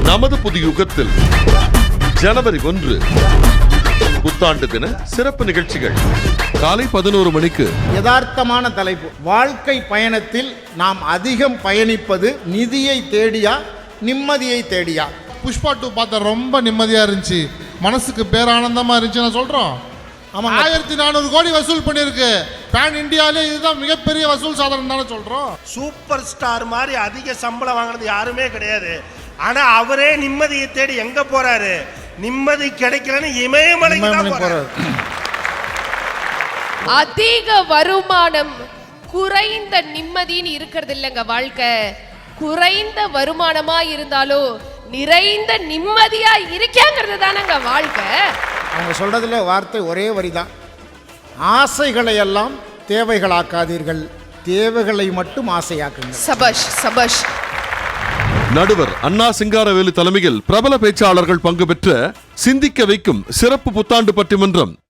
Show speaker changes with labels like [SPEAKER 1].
[SPEAKER 1] நமது புதிய யுகத்தில் ஜனவரி 1 புத்தாண்டு தின சிறப்பு நிகழ்ச்சிகள் காலை 11 மணிக்கு.
[SPEAKER 2] யதார்த்தமான தலைப்பு. வாழ்க்கை பயணத்தில் நாம் அதிகம் பயணிப்பது நிதியை தேடியா நிம்மதியை தேடியா?
[SPEAKER 3] புஷ்பா 2 பார்த்தா ரொம்ப நிம்மதியா இருந்துச்சு, மனசுக்கு பேரானந்தமா இருந்துச்சு. நான் சொல்றோம், 1400 கோடி வசூல் பண்ணிருக்கு. பேன் இந்தியாவிலே இதுதான் மிகப்பெரிய வசூல் சாதனை தானே சொல்றோம்.
[SPEAKER 4] சூப்பர் ஸ்டார் மாதிரி அதிக சம்பளம் வாங்குறது யாருமே கிடையாது. ஆனா அவரே நிம்மதியை தேடி எங்க போறாரு? நிம்மதி கிடைக்கலன்னு இமயமலைக்கு தான் போறாரு.
[SPEAKER 5] அதிக வருமானம் குறைந்த நிம்மதின்னு இருக்கிறது இல்லைங்க வாழ்க்கை. குறைந்த வருமானமா இருந்தாலும் நிறைந்த நிம்மதியா இருக்கேங்கிறது தானங்க வாழ்க்கை.
[SPEAKER 2] அவங்க சொல்றதுல வார்த்தை ஒரே வரிதான். ஆசைகளை எல்லாம் தேவைகளாக்காதீர்கள், தேவைகளை மட்டும் ஆசையாக்குங்கள்.
[SPEAKER 5] சபாஷ் சபாஷ்.
[SPEAKER 1] நடுவர் அண்ணா சிங்காரவேலு தலைமையில் பிரபல பேச்சாளர்கள் பங்கு பெற்ற சிந்திக்க வைக்கும் சிறப்பு புத்தாண்டு பட்டிமன்றம்